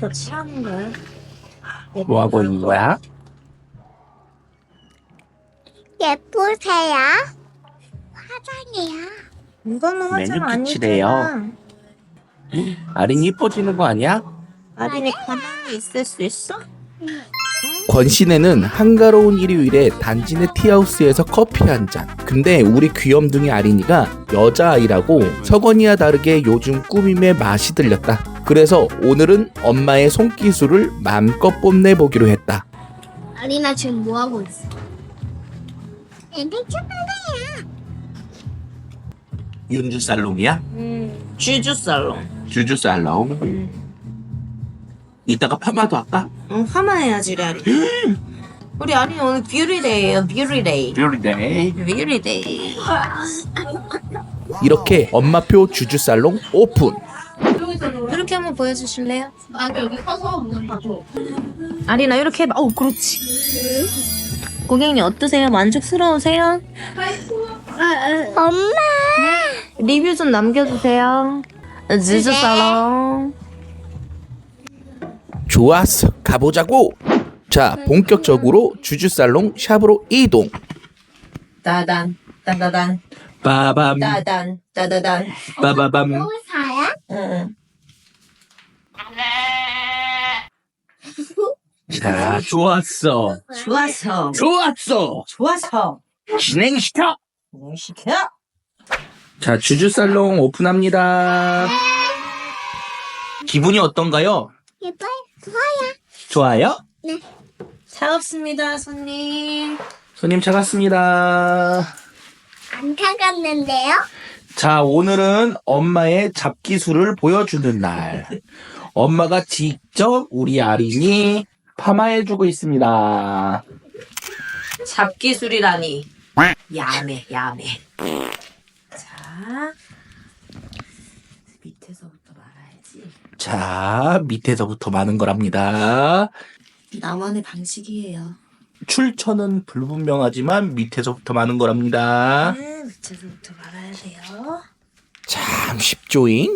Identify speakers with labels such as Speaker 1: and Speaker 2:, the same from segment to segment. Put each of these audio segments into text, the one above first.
Speaker 1: 더 칠하는 거야?
Speaker 2: 뭐 하고 있는 거야?
Speaker 3: 예쁘세요? 화장이야.
Speaker 1: 이거는 화장
Speaker 2: 매니큐칠이에요.
Speaker 1: 아니잖아.
Speaker 2: 아린이 이뻐지는 거 아니야?
Speaker 1: 아린이 가만히 있을 수 있어?
Speaker 4: 권신혜는 한가로운 일요일에 단지네 티하우스에서 커피 한 잔. 근데 우리 귀염둥이 아린이가 여자아이라고 서건이와 다르게 요즘 꾸밈에 맛이 들렸다. 그래서 오늘은 엄마의 손기술을 마음껏 뽐내보기로 했다.
Speaker 3: 아리나 지금 뭐 하고 있어? 초콜릿이야.
Speaker 2: 윤주 살롱이야?
Speaker 1: 쥐주 살롱.
Speaker 2: 주주 살롱. 이따가 파마도 할까?
Speaker 1: 응, 파마해야지, 우리 아린. 우리 아린이 오늘 뷰티데이예요, 뷰티데이.
Speaker 2: 뷰티데이.
Speaker 1: 뷰티데이.
Speaker 4: 이렇게 엄마표 주주살롱 오픈.
Speaker 1: 이렇게 한번 보여주실래요? 여기 서서 봐줘. 아린아, 이렇게 해봐. 그렇지. 고객님 어떠세요? 만족스러우세요?
Speaker 3: 엄마.
Speaker 1: 리뷰 좀 남겨주세요. 쥐주 살롱.
Speaker 4: 좋았어, 가보자고. 자, 본격적으로 주주살롱 샵으로 이동.
Speaker 1: 따단, 따다단,
Speaker 2: 빠밤.
Speaker 1: 따단, 따다단.
Speaker 2: 빠바밤.
Speaker 3: 사야?
Speaker 1: 응.
Speaker 2: 자, 좋았어.
Speaker 1: 좋았어.
Speaker 2: 좋았어.
Speaker 1: 좋았어.
Speaker 2: 진행시켜.
Speaker 1: 시켜.
Speaker 4: 자, 주주살롱 오픈합니다.
Speaker 2: 기분이 어떤가요?
Speaker 3: 예뻐요.
Speaker 2: 좋아요?
Speaker 1: 차갑습니다, 손님.
Speaker 2: 손님 차갔습니다.
Speaker 3: 안 타갔는데요?
Speaker 2: 자, 오늘은 엄마의 잡기술을 보여주는 날. 엄마가 직접 우리 아린이 파마해주고 있습니다.
Speaker 1: 잡기술이라니. 야매, 야매. 자, 밑에서부터 말아야지.
Speaker 2: 자, 밑에서부터 많은 거랍니다.
Speaker 1: 나만의 방식이에요.
Speaker 2: 출처는 불분명하지만 밑에서부터 많은 거랍니다.
Speaker 1: 밑에서부터 말아야 돼요.
Speaker 4: 참 쉽죠잉?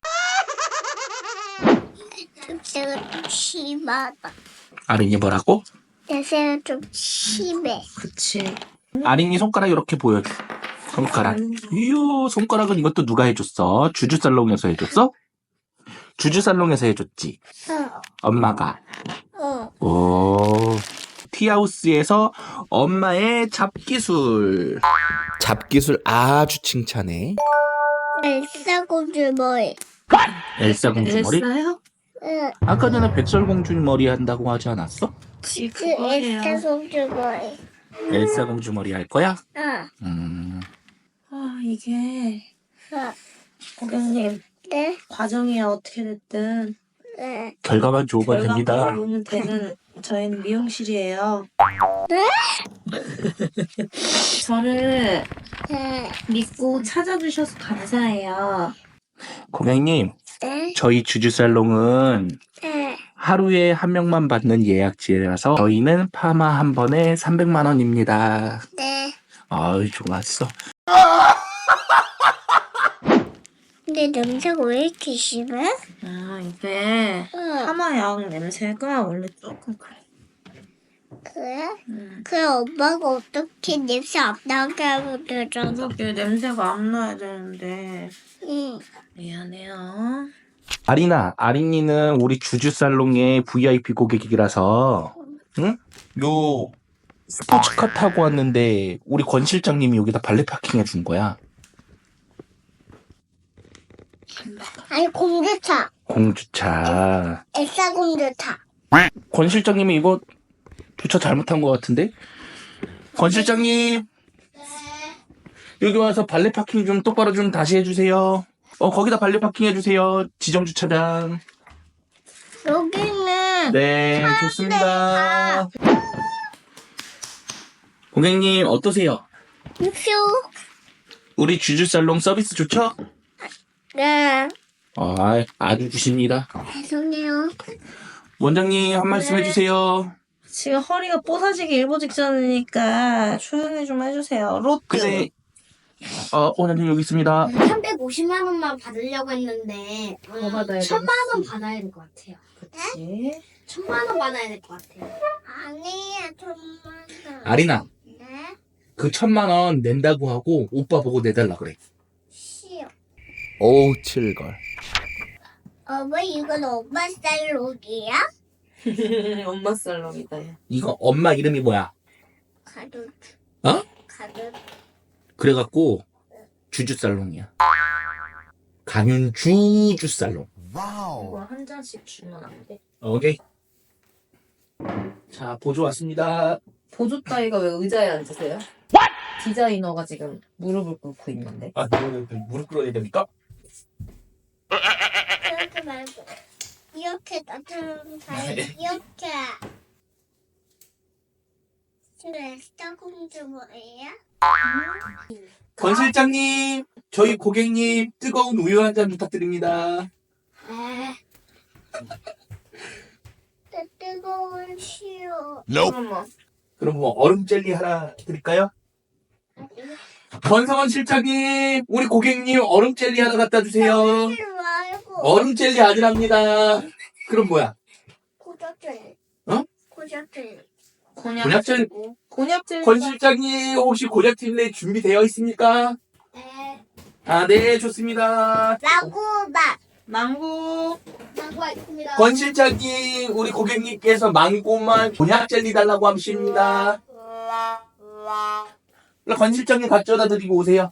Speaker 3: 냄새가 좀 심하다.
Speaker 2: 아린이 뭐라고?
Speaker 3: 냄새가 좀 심해.
Speaker 1: 그치.
Speaker 2: 아린이 손가락 이렇게 보여줘. 손가락. 이요, 손가락은 이것도 누가 해줬어? 주주살롱에서 해줬어? 주주살롱에서 해줬지. 엄마가. 오. 티하우스에서 엄마의 잡기술.
Speaker 4: 잡기술 아주 칭찬해.
Speaker 3: 엘사 공주 머리.
Speaker 2: 엘사 공주 머리?
Speaker 1: 됐어요?
Speaker 3: 응.
Speaker 2: 아까 전에 백설공주 머리 한다고 하지 않았어?
Speaker 3: 엘사 공주 머리.
Speaker 2: 엘사 공주 머리 할 거야?
Speaker 3: 응.
Speaker 1: 이게
Speaker 3: 응.
Speaker 1: 고객님
Speaker 3: 네.
Speaker 1: 과정이 어떻게 됐든
Speaker 3: 네.
Speaker 2: 결과만 좋으면 됩니다.
Speaker 1: 보면 되는 저희는 미용실이에요.
Speaker 3: 네?
Speaker 1: 저를
Speaker 3: 네.
Speaker 1: 믿고 찾아주셔서 감사해요.
Speaker 2: 고객님,
Speaker 3: 네.
Speaker 2: 저희 주주살롱은
Speaker 3: 네.
Speaker 2: 하루에 한 명만 받는 예약제라서 저희는 파마 한 번에 300만 원입니다.
Speaker 3: 네.
Speaker 2: 아유, 좋았어.
Speaker 3: 근데 냄새가 왜 이렇게 심해?
Speaker 1: 이게
Speaker 3: 응.
Speaker 1: 파마약 냄새가 원래 조금 그래.
Speaker 3: 그래? 그래 엄마가 어떻게 냄새 안 나게 하면 되잖아.
Speaker 1: 이게 냄새가 안 나야 되는데
Speaker 3: 응.
Speaker 1: 미안해요.
Speaker 2: 아린이는 우리 주주살롱의 VIP 고객이라서, 응? 요 스포츠카 타고 왔는데 우리 권 실장님이 여기다 발레 파킹 해준 거야.
Speaker 3: 아니 공주차.
Speaker 2: 공주차.
Speaker 3: 엘사 공주차.
Speaker 2: 권 실장님이 이거 주차 잘못한 것 같은데? 권 실장님, 여기 와서 발레 파킹 좀 똑바로 좀 다시 해주세요. 거기다 발레 파킹 해주세요. 지정 주차장.
Speaker 3: 여기는
Speaker 2: 네, 좋습니다. 고객님, 어떠세요?
Speaker 3: 표.
Speaker 2: 우리 주주살롱 서비스 좋죠?
Speaker 3: 네.
Speaker 2: 아주 좋습니다.
Speaker 3: 죄송해요.
Speaker 2: 원장님, 한 말씀 해주세요.
Speaker 1: 지금 허리가 뽀사지기 일보 직전이니까 조용히 좀 해주세요. 롯데.
Speaker 2: 근데, 원장님 여기 있습니다.
Speaker 3: 350만 원만 받으려고 했는데
Speaker 1: 더 받아야 돼.
Speaker 3: 1000만 원 받아야 될 것 같아요.
Speaker 1: 그치.
Speaker 3: 1,000원 받아야 될 것 같아요. 아니야, 1,000원.
Speaker 2: 아리나,
Speaker 3: 네?
Speaker 2: 그 1,000만 원 낸다고 하고 오빠 보고 내달라 그래.
Speaker 3: 싫어.
Speaker 4: 오우 칠걸.
Speaker 3: 왜 이건 엄마 쌀록이야?
Speaker 1: 엄마 살롱이다. 야.
Speaker 2: 이거 엄마 이름이 뭐야?
Speaker 3: 가득.
Speaker 2: 어?
Speaker 3: 가득.
Speaker 2: 그래갖고 주주살롱이야. 강윤주 주살롱.
Speaker 1: 이거 한 잔씩 주면 안 돼?
Speaker 2: 오케이. 자, 보조 왔습니다.
Speaker 1: 보조 따위가 왜 의자에 앉으세요? 디자이너가 지금 무릎을 꿇고 있는데.
Speaker 2: 아, 무릎 꿇어야 됩니까?
Speaker 3: 그렇게 말고 이렇게 나처럼 이렇게. 그래, 스타공주 뭐예요?
Speaker 2: 권 실장님, 저희 고객님 뜨거운 우유 한 잔 부탁드립니다.
Speaker 3: 내 뜨거운 시오.
Speaker 1: 잠깐만.
Speaker 2: 그럼 뭐 얼음 젤리 하나 드릴까요? 권성원 실장님, 우리 고객님 얼음 젤리 하나 갖다 주세요.
Speaker 3: 말고
Speaker 2: 얼음 젤리 아니랍니다. 그럼 뭐야?
Speaker 3: 고작질.
Speaker 2: 어?
Speaker 3: 고작질.
Speaker 2: 곤약 젤리.
Speaker 1: 곤약 젤리.
Speaker 2: 권 실장님, 혹시 곤약 젤리 준비되어 있습니까?
Speaker 3: 네.
Speaker 2: 아, 네, 좋습니다.
Speaker 3: 망고맛.
Speaker 1: 망고.
Speaker 3: 망고 있습니다.
Speaker 2: 권 실장님, 우리 고객님께서 망고만 곤약 젤리 달라고 하십니다. 권 실장님 가져다 드리고 오세요.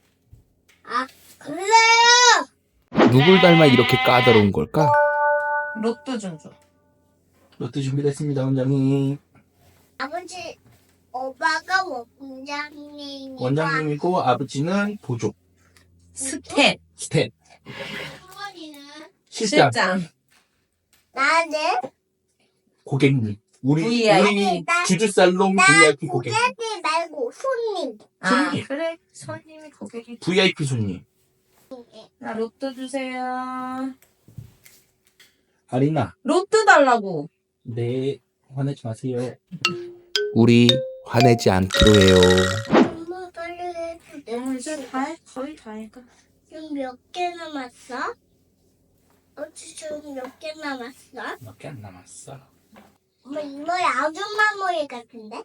Speaker 3: 그래요.
Speaker 4: 누굴 닮아 이렇게 까다로운 걸까?
Speaker 1: 로또 좀 줘.
Speaker 2: 로또 준비됐습니다, 원장님.
Speaker 3: 아버지, 오빠가 원장님이고
Speaker 2: 원장님이고 아버지는 보조.
Speaker 1: 스텝.
Speaker 2: 스텝.
Speaker 3: 할머니는
Speaker 2: 실장.
Speaker 3: 나는
Speaker 2: 고객님. 우리
Speaker 1: VIP.
Speaker 2: 주주살롱 VIP 고객.
Speaker 3: 고객님 말고 손님.
Speaker 1: 아,
Speaker 2: 손님.
Speaker 1: 그래. 손님이 고객이.
Speaker 2: VIP 손님.
Speaker 1: 나 로또 주세요.
Speaker 2: 아리나.
Speaker 1: 로또 달라고.
Speaker 2: 네. 화내지 마세요.
Speaker 4: 우리 화내지 않기로 해요.
Speaker 3: 엄마 빨리 해줘.
Speaker 1: 이제 다 해. 거의 다 해.
Speaker 3: 지금 몇 개 남았어? 지금 몇 개 남았어?
Speaker 2: 몇 개 안 남았어.
Speaker 3: 엄마 이 머리 아줌마 머리 같은데?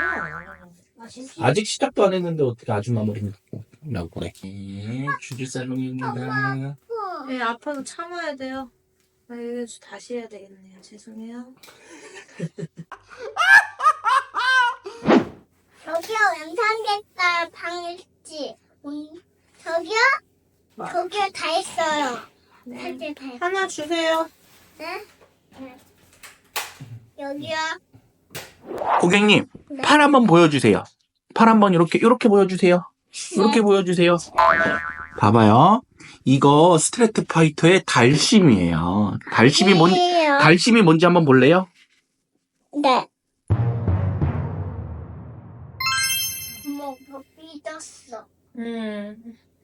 Speaker 2: 아직 시작도 안 했는데 어떻게 아줌마 머리라고 그래. 네, 주주살롱입니다.
Speaker 1: 네, 아파도 참아야 돼요. 아, 이거 다시 해야 되겠네요. 죄송해요.
Speaker 3: 저기요 연상객깔 방 있지? 저기요? 저기요 다 있어요. 사실 다 있어요.
Speaker 1: 하나 주세요.
Speaker 3: 네? 네. 여기요.
Speaker 2: 고객님, 팔 한번 보여주세요. 팔 한번 이렇게 보여주세요. 이렇게 보여주세요. 봐봐요. 이거 스트레트 파이터의 달심이에요. 달심이
Speaker 3: 아니에요.
Speaker 2: 달심이 뭔지 한번 볼래요?
Speaker 3: 네. 엄마 뭐 삐졌어? 왜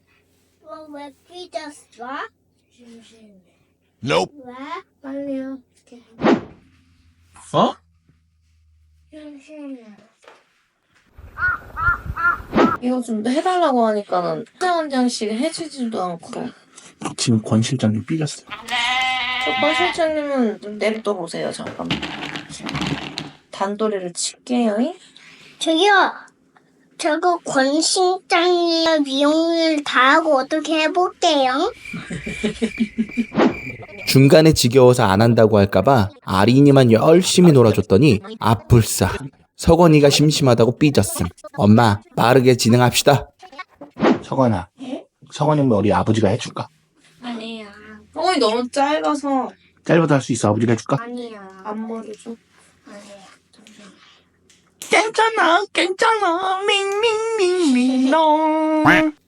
Speaker 3: 삐졌어?
Speaker 5: Nope.
Speaker 3: 왜?
Speaker 1: 빨리요.
Speaker 2: 어?
Speaker 3: 심심해.
Speaker 1: 이거 좀 해달라고 하니까는 원장씩 해주지도 않고.
Speaker 2: 지금 권 실장님 삐졌어요.
Speaker 1: 저권 실장님은 좀 냅둬 보세요. 잠깐만. 단도리를 칠게요.
Speaker 3: 저기요. 저거 권신장님 미용을 다 하고 어떻게 해볼게요?
Speaker 4: 중간에 지겨워서 안 한다고 할까봐 아린이만 열심히 놀아줬더니 아뿔싸. 석원이가 심심하다고 삐졌음. 엄마 빠르게 진행합시다.
Speaker 2: 석원아, 석원이 머리 아버지가 해줄까?
Speaker 3: 아니야.
Speaker 1: 어이 너무 짧아서
Speaker 2: 짧아도 할 수 있어. 아버지가 해줄까?
Speaker 3: 아니야.
Speaker 1: 앞머리 좀.
Speaker 3: 아니야.
Speaker 2: 괜찮아. 밍밍밍밍롱.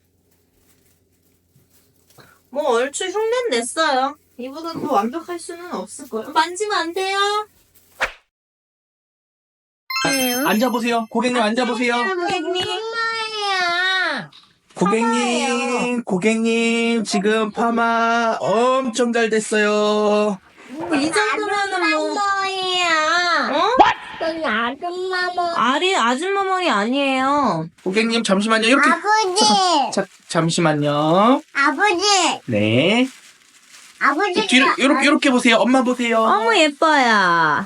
Speaker 1: 뭐 얼추 흉내 냈어요. 이보다 더 완벽할 수는 없을 거예요. 만지면 안 돼요.
Speaker 2: 앉아보세요. 고객님 앉아보세요.
Speaker 1: 고객님.
Speaker 2: 고객님 지금 파마 엄청 잘 됐어요.
Speaker 1: 이 정도면은 뭐.
Speaker 3: 머리야.
Speaker 1: 어?
Speaker 3: 그건 아줌마 머리.
Speaker 1: 알이 아줌마 머리 아니에요.
Speaker 2: 고객님 잠시만요. 이렇게
Speaker 3: 아버지.
Speaker 2: 잠시만요.
Speaker 3: 아버지.
Speaker 2: 네.
Speaker 3: 아버지가
Speaker 2: 뒤로 요렇게 보세요. 엄마 보세요.
Speaker 1: 너무 예뻐요.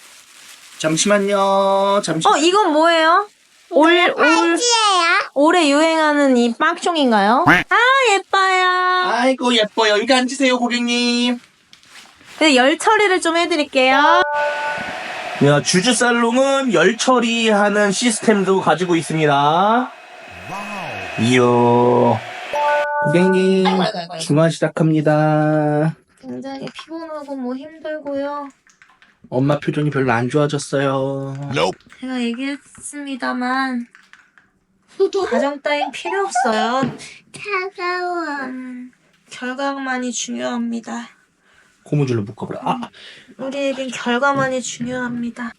Speaker 2: 잠시만요.
Speaker 1: 이건 뭐예요?
Speaker 3: 팔찌예요.
Speaker 1: 올해 유행하는 이 빡종인가요? 아, 예뻐요.
Speaker 2: 아이고 예뻐요. 여기 앉으세요, 고객님.
Speaker 1: 근데 열 처리를 좀 해드릴게요.
Speaker 2: 야, 주주살롱은 열 처리하는 시스템도 가지고 있습니다. 이야. 고객님,
Speaker 1: 아이고.
Speaker 2: 중화 시작합니다.
Speaker 1: 굉장히 피곤하고 뭐 힘들고요.
Speaker 2: 엄마 표정이 별로 안 좋아졌어요.
Speaker 1: 제가 얘기했습니다만 과정 따윈 필요 없어요.
Speaker 3: 차가워.
Speaker 1: 결과만이 중요합니다.
Speaker 2: 고무줄로 묶어버려.
Speaker 1: 우리에겐 결과만이 중요합니다.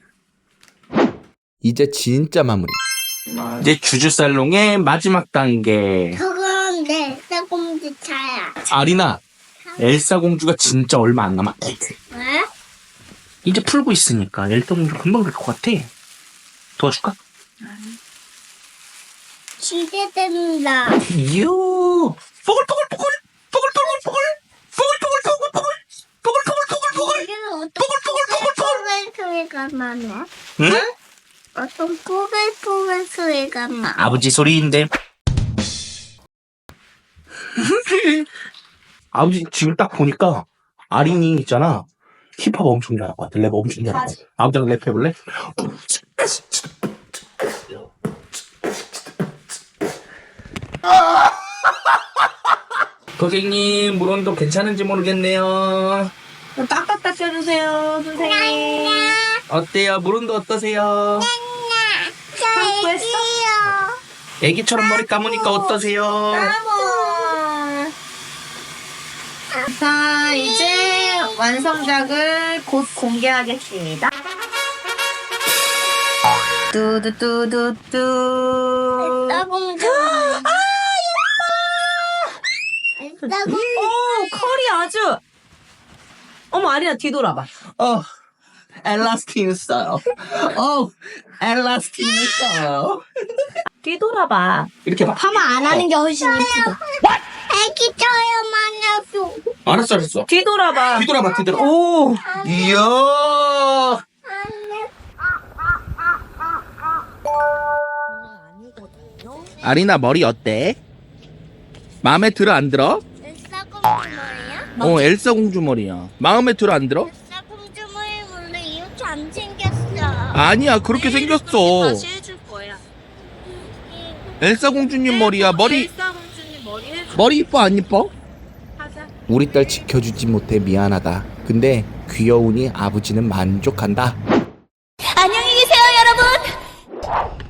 Speaker 4: 이제 진짜 마무리.
Speaker 2: 이제 주주살롱의 마지막 단계.
Speaker 3: 저건 내 쌀공주 차야.
Speaker 2: 아리나, 엘사 공주가 진짜 얼마 안 남았다.
Speaker 3: 왜?
Speaker 2: 이제 풀고 있으니까 엘사 공주 금방 될 것 같아. 도와줄까?
Speaker 3: 기대된다.
Speaker 2: 이야. 뽀글뽀글뽀글. 뽀글뽀글뽀글. 뽀글뽀글뽀글뽀글. 뽀글뽀글뽀글뽀글.
Speaker 3: 여기는 어떤 뽀글뽀글 소리가 나네?
Speaker 2: 응?
Speaker 3: 어떤 뽀글뽀글 소리가 나?
Speaker 2: 아버지 소리인데. 아버지 지금 딱 보니까 아린이 있잖아. 힙합 엄청 잘할 것 같아. 랩 엄청 잘할 것 같아. 아버지랑 랩 해볼래? 고객님 물온도 괜찮은지 모르겠네요.
Speaker 1: 딱딱 닦여주세요, 선생님.
Speaker 2: 어때요? 물온도 어떠세요?
Speaker 3: 저
Speaker 1: 했어?
Speaker 3: 애기요.
Speaker 2: 애기처럼 머리 감으니까 어떠세요?
Speaker 1: 까모. 자, 이제 완성작을 곧 공개하겠습니다. 뚜두뚜두뚜.
Speaker 3: 쌀공주. 쌀공주.
Speaker 1: 오, 컬이 아주. 어머, 아리나 뒤돌아봐.
Speaker 2: 엘라스틴 스타일. 엘라스틴 스타일.
Speaker 1: 뒤돌아봐.
Speaker 2: 이렇게 봐.
Speaker 3: 파마 안 하는 게 훨씬 예쁘다. 애기처럼 하냐고.
Speaker 2: 알았어.
Speaker 1: 뒤돌아봐.
Speaker 2: 뒤돌아봐.
Speaker 1: 오.
Speaker 2: 이야. 아리나 머리 어때? 마음에 들어 안 들어?
Speaker 3: 쌀공주 머리야?
Speaker 2: 엘사 공주 머리야. 마음에 들어 안 들어?
Speaker 3: 쌀공주 머리 원래 이렇게 안 생겼어.
Speaker 2: 아니야 그렇게 생겼어.
Speaker 1: 다시 해줄 거야.
Speaker 2: 엘사 공주님 머리야.
Speaker 1: 엘사 공주님 머리 해줄
Speaker 2: 머리 이뻐 안 이뻐?
Speaker 1: 하자.
Speaker 4: 우리 딸 지켜주지 못해 미안하다. 근데 귀여우니 아버지는 만족한다.
Speaker 3: 안녕히 계세요, 여러분.